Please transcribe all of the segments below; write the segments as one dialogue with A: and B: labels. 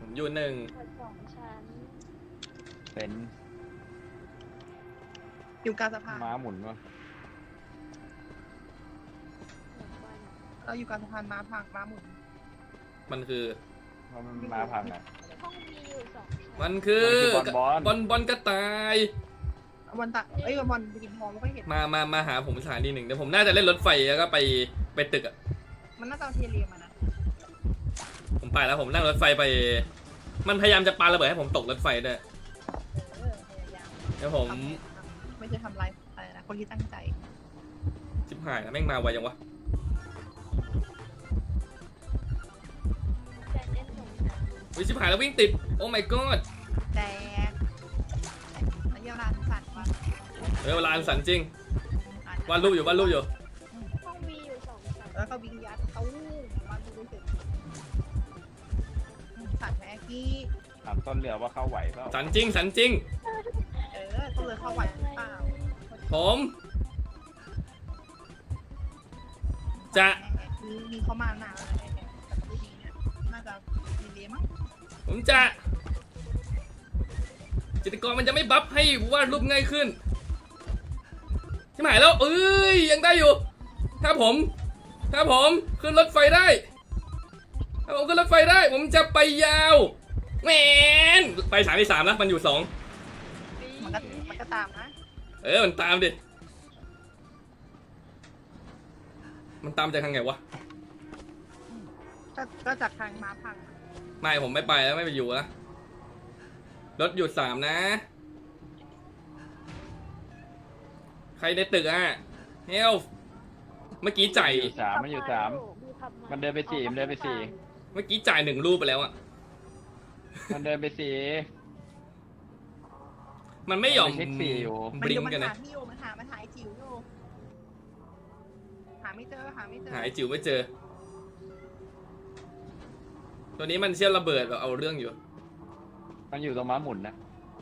A: อยู่หนึ่ง
B: ตึก2 ชั้น
C: เป็น
D: อยู่กลางสะพาน
C: ม้าหมุนวะ
D: เราอยู่กลางสะพานม้าพังม้าหมุน
A: มันคือ
C: เพราะมันม้าพังอ่ะ
B: ห้องมีอยู่2 ชั้น
A: มันคือบ
C: อล
A: บอลกระต่าย
D: วันตะเอ้ยวันไปกินทองไม่ค่อยเห็น
A: มาหาผมสถานีหนึ่งเดี๋ยวผมน่าจะเล่นรถไฟแล้วก็ไปตึกอ่ะ
D: มันน่าจะเอาเทเรียมานะ
A: ผมไปแล้วผมนั่งรถไฟไป มันพยายามจะปาระเบิดให้ผมตกรถไฟด้วย
D: พยายาม
A: เดี๋ยวผม
D: ไม่ใช่ทำลายอะไรนะคนที่ตั้งใจ
A: ชิบหายแล้วแม่งมาไวยังวะ
B: แฟนเล่น2 ชั้น
A: วิชิบหายแล้ววิ่งติดโอ้ my god
D: แต่ระยะเวลาสั่นว่า
A: เวลาอันสันจริงวาดรูปอยู่
B: ห้องมีอยู่2 ชั้น
D: แล้วก็วิ่งยัดตู้มาดูไปถึงสั่นแม่กี้
C: ถามต้นเรือว่าเข้าไหวเปล่า
A: สันจริง
D: ต้องเลยเข้าไหวหรือเปล่า
A: ผมจะ
D: มีเข้ามาหนาอะไรเนี่ยแต่ก็ไม่ดีเนี่ยน่าจะมีเลี้ยมั้ง
A: ผมจะจิตรกรมันจะไม่บัฟให้วาดรูปง่ายขึ้นชิบหายแล้วยังได้อยู่ถ้าผมขึ้นรถไฟได้ถ้าผมขึ้นรถไฟได้ผมจะไปยาวแหมนไปสามที่3แล้วมันอยู่2
D: มันก็ตามนะ
A: มันตามดิมันตามจากทางไงวะ
D: ก็จากทางม้าพัง
A: ไม่ผมไม่ไปแล้วไม่ไปอยู่แล้วรถหยุด3นะใครในตึกอะเฮลเมื่อกี้จ่าย
C: อยู่สามมันอยู่สามมันเดินไปสี่มันเดินไปสี่
A: เมื่อกี้จ่าย1 รูปไปแล้วอะ
C: มันเดินไปสี่
A: มันไม่ยอม
C: มันไปเช็คสี่อยู่
A: บลิงกัน
D: มัน
A: นะ
D: หาที่อยู่มันหาไอ้จิ๋วอยู่หาไม่เจอ
A: หาไอ้จิ๋วไม่เจอ ตัวนี้มันเชื่อมระเบิดแบบเอาเรื่องอยู่
C: มันอยู่ตรงม้าหมุนนะ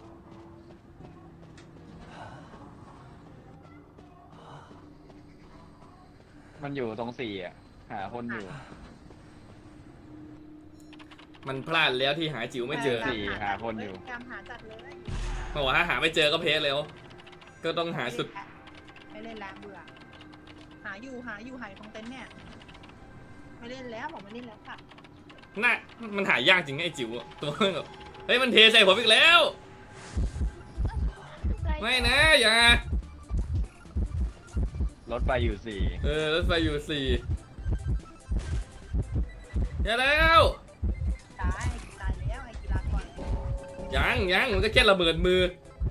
C: มันอยู่ตรงสี่อ่ะหาคนอยู่
A: มันพลาดแล้วที่หาจิ๋วไม่เจอ
C: สี่หาคนอยู่
D: พยายามหาจัดเลย
A: บอกว่าถ้าหาไม่เจอก็เพสแล้ว ก็ต้องหาสุด
D: ไม่เล่นแล้วเบื่อหาอยู่หายตรงเต็นท์เนี่ยไม่เล่นแล้วผมไม่เล่นแล้วค่ะ
A: น่ะมันหายากจริงไอ้จิ๋วอะตัวแบบเฮ้ยมันเทใส่ผมอีกแล้ว ไม่นะอย่าร
C: ถไฟอยู่สี่
A: รถไฟอยู่4อย่าแล้ว
D: ตายแล้วไอ้กีฬาก่อน
A: ยังมันก็แค่ระเบิดมือ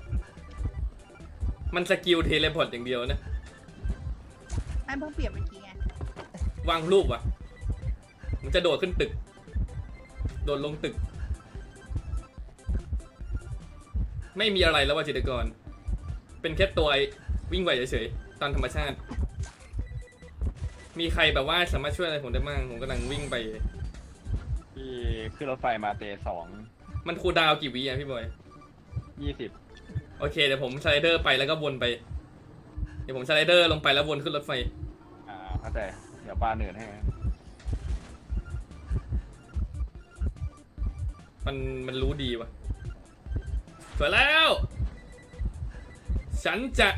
A: มันสกิลเทเลพอร์ตอย่างเดียวนะ
D: ไอ้เพิ่งเปลี่ยนเมื่อกี้ไง
A: วางรูปอ่ะมันจะโดดขึ้นตึก โดดลงตึก ไม่มีอะไรแล้วว่าจิตรกร เป็นแค่ตัววิ่งไหวเฉยๆตามธรรมชาติ มีใครแบบว่าสามารถช่วยอะไรผมได้บ้างผมกำลังวิ่งไป
C: ที่ขึ้นรถไฟมาเตะ2
A: มันคูลดาวน์กี่วิอ่ะพี่บอย
C: 20
A: โอเคเดี๋ยวผมสไลเดอร์ไปแล้วก็วนไป เดี๋ยวผมสไลเดอร์ลงไปแล้ววนขึ้นรถไฟ
C: เข้าใจเดี๋ยวปลาเหนื่อยให้
A: มันรู้ดีว่ะสวยแล้ว ฉันจะ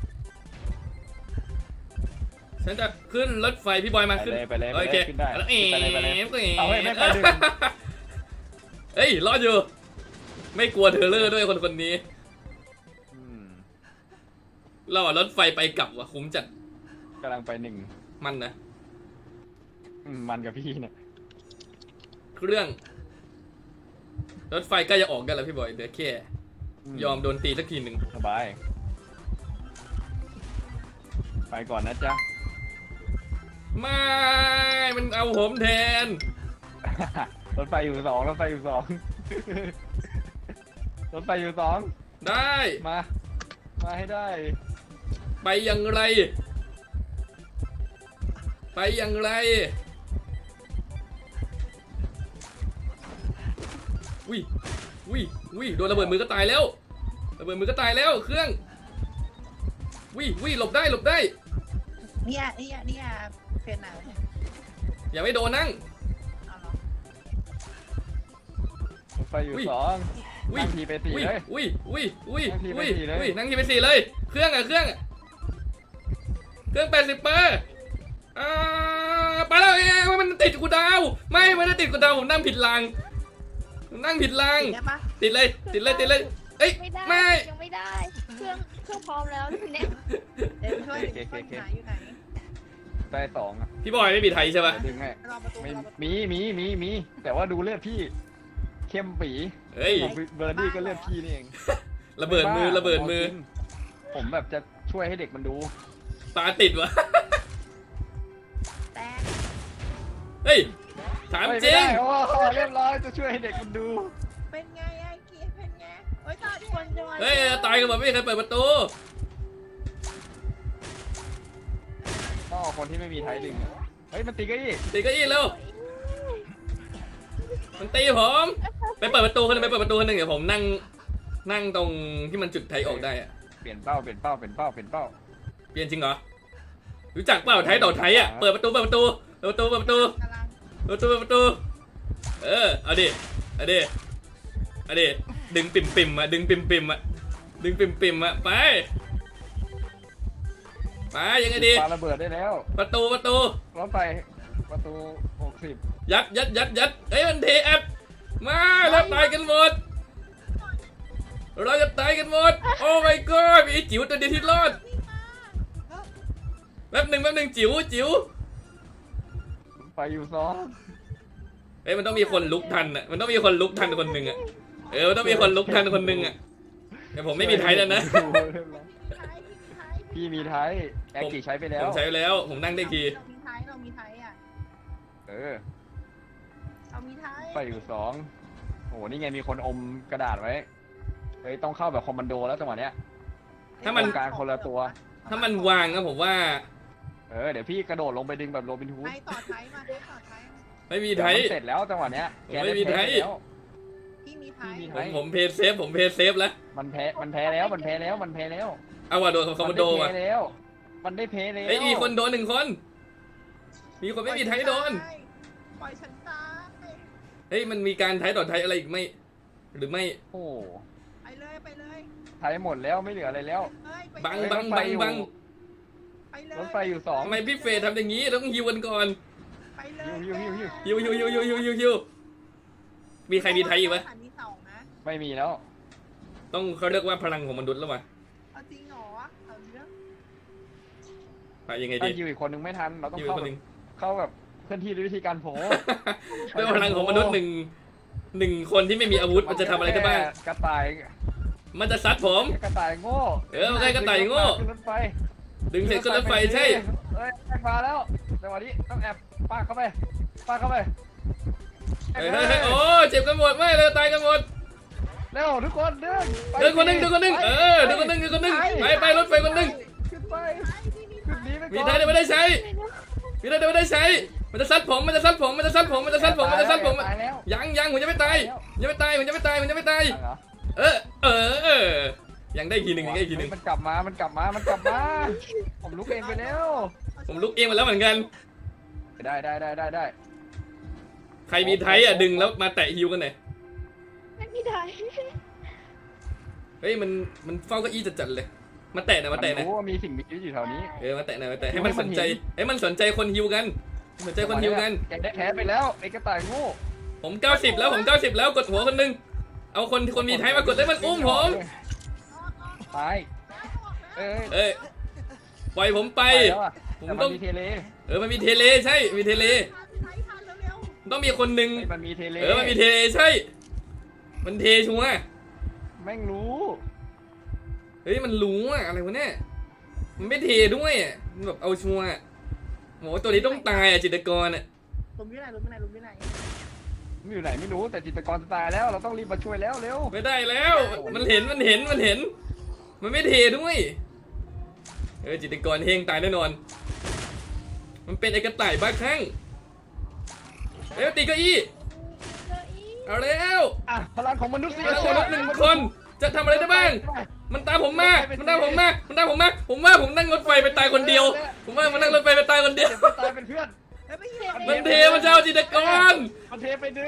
A: ขึ้นรถไฟพี่บอยมาขึ้น
C: ไปเลย
A: โอเค
C: ขึ้นได้
A: แล้ว
C: ไปเลยเอาให้ไม่ไปดึง
A: เฮ้ยรอดอยู่ ไม่กลัวเทเลอร์ด้วยคนนี้ เรารถไฟไปกลับว่ะคุ้มจัด
C: กำลังไป1
A: มันนะ
C: มันกับพี่เนี่ย
A: เครื่อง รถไฟใกล้จะออกกันแล้วพี่บอยเดี๋ยวแค่ยอมโดนตีสักทีหนึ่ง
C: สบาย ไปก่อนนะจ๊ะ
A: ไม่มันเอาผมแทน
C: รถไฟอยู่2รถไฟอยู่2รถไฟอยู่2
A: ได้
C: มาให้ได้
A: ไปอย่างไร ไปอย่างไรวิโดนระเบิดมือก็ตายแล้วระเบิดมือก็ตายแล้วเครื่องวิหลบได้
D: เนี่ยเฟนไหน
A: อย่าไม่โดนนั่ง
D: เอาเหรอ
C: ไฟอยู่
A: อุ้ย
C: สอง
A: อุ้ย
C: นั่งทีไปสี่
A: อุ้ย
C: เลย
A: อุ้ยอุ้ยอุ้ย
C: นั่งทีไป
A: อุ้ย
C: สี่เลย
A: อุ้ยนั่งทีไปสี่เลยเครื่องอะเครื่อง80%ไปแล้วมันติดกูดาวไม่ได้ติดกูดาวผมนั่งผิดรางผมนั่งผิดราง
D: ติดได้ปะ
A: ติดเลยเอ้ย
B: ไม่ได้
A: ไม่
B: ยังไม่ได้ เครื่องพร้อมแล้วเนี่ย
D: เดี๋ยวช่วยหาอยู่ไหน
C: ไฟสองอะ
A: พี่บอยไม่มีไทยใช่ปะ
C: เดี๋ยวดึงให้
D: รอประตู
C: ไม่
D: รอประตู
C: มีแต่ว่าดูเลือดพี่เข้มปี
A: เฮ้ย
C: เบอร์ดี้ก็เลือดพี่นี่เอง
A: ระเบิดมือ
C: ไบ้า
A: ระเบิดมือ
C: ผมแบบจะช่วยให้เด็กมันดู
A: ตาติดวะ
D: แตก
A: เฮ้ยถาม
C: เฮ้ย
A: จริง
C: ไได้โอ้โหเรียบร้อยจะช่วยให้เด็กมันดู
D: เป็นไงไอ้เกียร์เป็นไงเฮ้ยตาดิ
B: คนจะมา
A: เฮ้ยตายกันหมดไม่มีใครเปิดประตู
C: ต้องเอาคนที่ไม่มีไทยดึงอะเฮ้ยมันตีเก็อี้
A: ตีเก็อี้เร็วมันตีผมไปเปิดประตูคนหนึงไปเปิดประตูคนหนึงเดี๋ยวผมนั่งตรงที่มันจุดไทยออกได้อะ
C: เปลี่ยนเป้า
A: เปลี่ยนจริงเหรอรู้จักเปล่าไทยต่อไทยอ่ะเปิดประตู
D: กำลัง
A: เอาดิดึงปิ่มอ่ะดึงปิ่มอ่ะไปยังไงดี
C: ปาระเบิดได้แล้ว
A: ประตู
C: รถไฟประตู60
A: ยัดเฮ้ยมันเทแอปมาแล้วตายกันหมดเราจะตายกันหมดโอ้ my god มีไอ้จิ๋วตัวเดียวที่รอดแป๊บหนึ่งจิ๋ว
C: ไฟอยู่สอง
A: เฮ้ยมันต้องมีคนลุกทันอ่ะมันต้องมีคนลุกทันคนหนึ่งอ่ะมันต้องมีคนลุกทันคนหนึ่งอ่ะแต่ผมไม่มีไทยแล้วนะ
C: พี่มีไทยแอคกี้ใช้ไปแล้
A: ผ
C: ว
A: มใช้ไปแล้วผมนั่งได้ที
D: เรามีไทยอ่ะ
C: เออ
D: เรามีไทย
C: ไฟอยู่สองโอ้โหนี่ไงมีคนอมกระดาษไว้เฮ้ยต้องเข้าแบบคอมมานโดแล้วจังหวะเนี้ย
A: ถ้ามัน
C: การคนละตัว
A: ถ้ามันวางนะผมว่า
C: เดี๋ยวพี่กระโดดลงไปดึงแบบโรบินฮูด
D: ไทยต่อไทยมาไทยต่อไทย
A: ไม่มีไทย
C: มันเสร็จแล้วจังหวะเนี้ยแก
A: ไม่มีไทย
C: แล้ว
D: ที่มีไทย
C: พี่มีไท
A: ผมเพย์เซฟแล้ว
C: มันแพ้แล้ว
A: เอาว่ะโดนคอมมานโดว่ะ
C: มันได้เพลแล้ว
A: เอ้ยมีคนโดน1 คน มีคนไม่มีไทยโดน
D: ปล่อยฉันตาย
A: เฮ้ยมันมีการไทยต่อไทยอะไรอีกไหมหรือไม่
C: โอ้
D: ไปเลย
C: ไทยหมดแล้วไม่เหลืออะไรแล้ว
A: บัง
C: รถไฟอยู่
D: ไปเลย
C: รถไฟอยู่สอง
A: ทำไมพี่เฟย์ทำอย่างนี้ต้องฮิวกันก่อน
D: ไปเลย
A: ฮิวมีใครมีไทยอีกไหม
D: มีสองนะ
C: ไม่มีแล้ว
A: ต้องเขาเรียกว่าพลังของมนุษย์แล้ววะ
D: เอาจริงเหรอเอาเรื่อง
A: ไปยังไง
C: ถ้า
A: ดี
C: ยิวอีกคนนึงไม่ทันเราต้อง
A: ฮิวคนหนึ่ง
C: เข้าแบบเคลื่อนที่ด้วยวิธีการโผล่
A: ด้วยพลังของมนุษย์หนึ่งคนที่ไม่มีอาวุธมันจะทำอะไรได้บ้าง
C: กระต่าย
A: มันจะซัดผม
C: กระต่ายโง่
A: มันได้กระต่ายโง่
C: ขึ้นรถไฟ
A: ดึงเสร็จขึ้นรถไฟใช่
C: เฮ้ยแอบมาแล้วจังหวะนี้ต้องแอบปาเข้าไป
A: เฮ้ยโอ้เจ็บกันหมดไม่เลยตายกันหมด
C: เร็วทุกคนเดิน
A: เดินคนหนึ่งเดินคนหนึ่งไปรถไฟคนหนึ่ง
C: ขึ้นไปขึ้นนี้ไปก่อน
A: มีไทยแต่ไม่ได้ใช้มันจะซัดผม
C: ตายแล้ว
A: ยังผมจะไม่ตายยังได้ทีหนึ่ง
C: มันกลับมาผมลุกเองไปแล้ว
A: ผมลุกเองมาแล้วเหมือนกัน
C: ได้
A: ใครมีไทยอ่ะดึงแล้วมาแตะฮิวกันหน่อย
B: ไม่มีไทย
A: เฮ้ยมันเฝ้าเก้าอี้จัดๆเลยมาแตะหน่อย
C: มันรู้ว่ามีสิ่งมีชีวิตอยู่แถวนี้
A: มาแตะหน่อยให้มันสนใจคนฮิวกัน
C: แกได้แพ้ไปแล้วไอ้กระต่ายโง่
A: ผม90แล้วกดหัวคนหนึ่งเอาคนมีไทยมากดได้มันอุ้มผม
C: ตาย
A: เอ้ยปล่อยผมไป
C: แล้วอะ
A: ผม
C: แต่
A: ต้
C: มั
A: อง
C: นมีเทเล
A: มันมีเทเลใช่มีเทเล
D: ไทยทันเร็ว
A: ต้องมีคนหนึ่ง
C: มันมีเทเล
A: มันมีเทเลใช่ มันเทชัวร์
C: แม่งรู้
A: เฮ้ยมันรู้อะอะไรวะเนี่ยมันไม่เทด้วยอะมันแบบเอาชัวร์อะโหตัวนี้ต้องตายอะจิตรกรอะ
D: ๆลุมที่ไหน
C: มันอยู่ไหนไม่รู้แต่จิตรกรจะตายแล้วเราต้องรีบมาช่วยแล้วเร็ว
A: ไม่ได้แล้ว มันเห็นมันไม่เทด้วยจิตรกรเฮงตายแน่นอน มันเป็นไอ้กระต่ายบ้าคลั่งตีเก้าอี้เอาแล้ว
C: อ่ะพลังของมนุษย์
A: แล้วคนหนึ่งคนจะทำอะไรได้บ้าง มันตามผมมาผมว่าผมนั่งรถไฟไปตายคนเดียว ผมว่ามันนั่งรถไฟไปตายคนเดียว
C: เดี๋ยวไปตายเป็นเพื่อน
A: มันเทมันจะเอาจิตรกร
C: มันเทไปดึง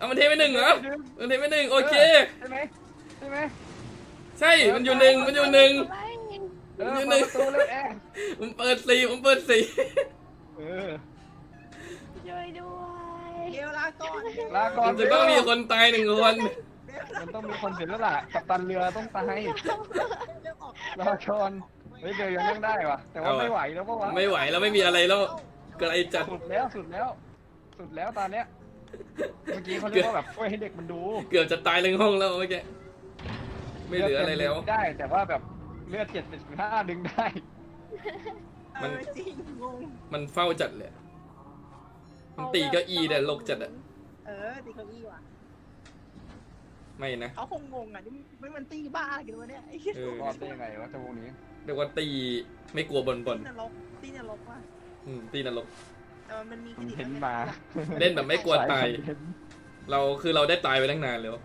A: เอามันเทไปหนึ่งเหรอมันเทไปหนึ่งโอเค
C: ใช่ไหมใช่ไหม
A: ใช่มันอยู่หนึ่งมันอยู่หนึ่ง
B: ไม่
C: เออเปิดประตูเลยแอร์
A: ผมเปิดสี่ผมเปิดสี่
C: เออ
B: ช่วยด้วย
D: เดี๋ยวลาก่อน
C: ลาก่อน
A: มันจะต้องมีคนตายหนึ่งคน
C: มันต้องมีคนเสร็จแล้วล่ะกัปตันเรือต้องตาย
D: เรื่องออก
C: ลาก่อนเฮ้ยเดี๋ยวยังนั่งได้ว่ะแต่ว่าไม่ไหวแล้วก็วะ
A: ไม่ไหวแล้วไม่มีอะไรแล้วไกลจัด
C: สุดแล้วสุดแล้ว สุดแล้วตอนเนี้ยเมื่อกี้เขาเรียกว่าแบบช่วยให้เด็กมันดู
A: เกือบจะตายทั้งห้องแล้วเมื่อกี้ไม่เหลืออะไรแล้ว
C: ได้แต่ว่าแบบเลือด7.5ดึงได้
A: มัน
D: จริงงง
A: มันเฝ้าจัดเลยมันตีเก้าอี้แต่ลกจัดอะ
D: ตีเก้าอี้ว่ะ
A: ไม่นะ
D: เขาคงงงอ่ะนี่ไม่มันตีบ้ากันวะเนี่ยไอ้เหี้ย
A: เออ
C: รอดได้ยังไงวะเจ้าวงนี้
A: เรียกว่าตีไม่กลัวบน
D: ตีนรกตีนรกว่ะ
A: ตีนรก
D: แต่มันมี
C: มันเห็นมา
A: เล่นแบบไม่กลัวตาย
C: สคอนเทนต์
A: เราได้ตายไปตั้งนานแล้ว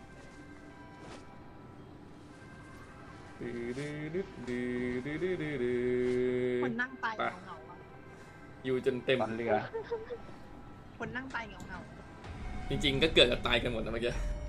D: คนนั่งตายเงาๆอ่ะ
A: อยู่จนเต็ม
C: ปั่นเรือ
D: คนนั่งตายเงา
A: จริงๆก็เกิดกับตายกันหมดนะเมื่อกี้
D: ๆ